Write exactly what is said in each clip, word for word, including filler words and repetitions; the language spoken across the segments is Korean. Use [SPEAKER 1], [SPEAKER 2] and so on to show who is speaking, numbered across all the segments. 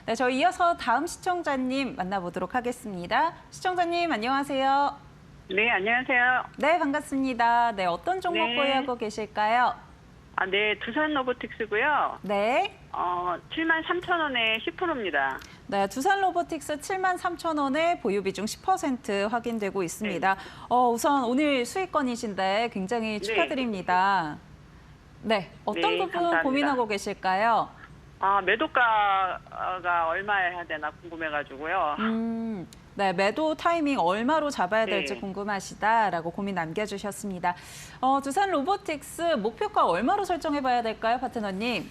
[SPEAKER 1] 네, 저희 이어서 다음 시청자님 만나보도록 하겠습니다. 시청자님 안녕하세요.
[SPEAKER 2] 네, 안녕하세요.
[SPEAKER 1] 네, 반갑습니다. 네, 어떤 종목
[SPEAKER 2] 네.
[SPEAKER 1] 보유하고 계실까요?
[SPEAKER 2] 아, 네, 두산 로보틱스고요.
[SPEAKER 1] 네.
[SPEAKER 2] 어, 칠만 삼천 원에 십 퍼센트입니다.
[SPEAKER 1] 네, 두산 로보틱스 칠만 삼천 원에 보유 비중 십 퍼센트 확인되고 있습니다.
[SPEAKER 2] 네.
[SPEAKER 1] 어, 우선 오늘 수익권이신데 굉장히 축하드립니다. 네, 어떤
[SPEAKER 2] 네,
[SPEAKER 1] 부분
[SPEAKER 2] 감사합니다.
[SPEAKER 1] 고민하고 계실까요?
[SPEAKER 2] 아, 매도가가 얼마에 해야 되나 궁금해가지고요.
[SPEAKER 1] 음, 네, 매도 타이밍 얼마로 잡아야 될지
[SPEAKER 2] 네.
[SPEAKER 1] 궁금하시다라고 고민 남겨주셨습니다. 어, 두산 로보틱스 목표가 얼마로 설정해봐야 될까요, 파트너님?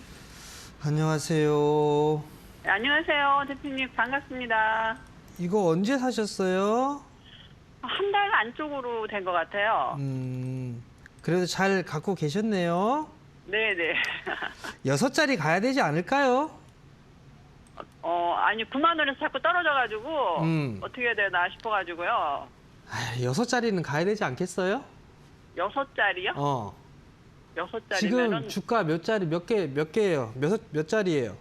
[SPEAKER 3] 안녕하세요.
[SPEAKER 2] 네, 안녕하세요, 대표님. 반갑습니다.
[SPEAKER 3] 이거 언제 사셨어요?
[SPEAKER 2] 한 달 안쪽으로 된 것 같아요.
[SPEAKER 3] 음, 그래도 잘 갖고 계셨네요.
[SPEAKER 2] 네네.
[SPEAKER 3] 여섯 자리 가야 되지 않을까요?
[SPEAKER 2] 어, 아니, 구만 원에서 자꾸 떨어져가지고
[SPEAKER 3] 음.
[SPEAKER 2] 어떻게 해야 되나 싶어가지고요.
[SPEAKER 3] 아, 여섯 자리는 가야 되지 않겠어요?
[SPEAKER 2] 여섯 자리요?
[SPEAKER 3] 어.
[SPEAKER 2] 여섯
[SPEAKER 3] 지금
[SPEAKER 2] 자리면은
[SPEAKER 3] 주가 몇 자리, 몇 개, 몇 개예요? 몇, 몇 자리예요?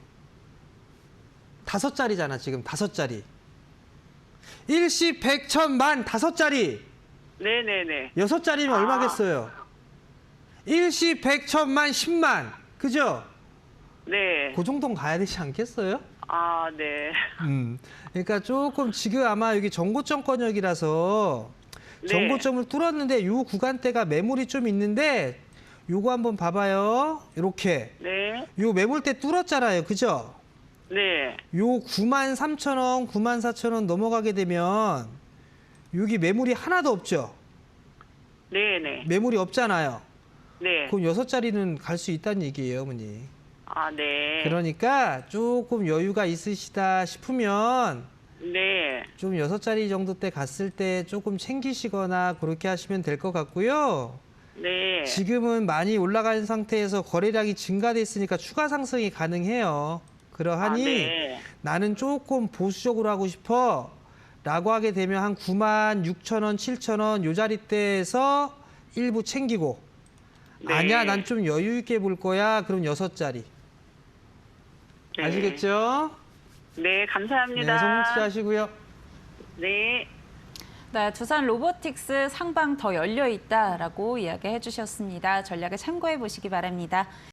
[SPEAKER 3] 다섯 자리잖아, 지금 다섯 자리. 일시, 백, 천, 만, 다섯 자리.
[SPEAKER 2] 네네네.
[SPEAKER 3] 여섯 자리면
[SPEAKER 2] 아.
[SPEAKER 3] 얼마겠어요? 일시, 백, 천, 만, 십만. 그죠?
[SPEAKER 2] 네.
[SPEAKER 3] 그 정도는 가야 되지 않겠어요?
[SPEAKER 2] 아, 네.
[SPEAKER 3] 음. 그러니까 조금 지금 아마 여기 정고점권역이라서
[SPEAKER 2] 네.
[SPEAKER 3] 정고점을 뚫었는데 요 구간대가 매물이 좀 있는데 요거 한번 봐봐요. 이렇게.
[SPEAKER 2] 네.
[SPEAKER 3] 요 매물대 뚫었잖아요. 그죠?
[SPEAKER 2] 네.
[SPEAKER 3] 요 구만 삼천 원, 구만 사천 원 넘어가게 되면 여기 매물이 하나도 없죠?
[SPEAKER 2] 네네.
[SPEAKER 3] 매물이 없잖아요.
[SPEAKER 2] 네.
[SPEAKER 3] 그럼 여섯 자리는 갈 수 있다는 얘기예요, 어머니.
[SPEAKER 2] 아, 네.
[SPEAKER 3] 그러니까 조금 여유가 있으시다 싶으면
[SPEAKER 2] 네.
[SPEAKER 3] 좀 여섯 자리 정도 때 갔을 때 조금 챙기시거나 그렇게 하시면 될 것 같고요.
[SPEAKER 2] 네.
[SPEAKER 3] 지금은 많이 올라간 상태에서 거래량이 증가됐으니까 추가 상승이 가능해요. 그러하니
[SPEAKER 2] 아, 네.
[SPEAKER 3] 나는 조금 보수적으로 하고 싶어 라고 하게 되면 한 구만 육천 원, 칠천 원 요 자리대에서 일부 챙기고
[SPEAKER 2] 네.
[SPEAKER 3] 아니야, 난 좀 여유 있게 볼 거야. 그럼 여섯 자리.
[SPEAKER 2] 네.
[SPEAKER 3] 아시겠죠?
[SPEAKER 2] 네, 감사합니다.
[SPEAKER 3] 네, 성공투자하시고요.
[SPEAKER 2] 네.
[SPEAKER 1] 네, 두산 로보틱스 상방 더 열려 있다라고 이야기해 주셨습니다. 전략을 참고해 보시기 바랍니다.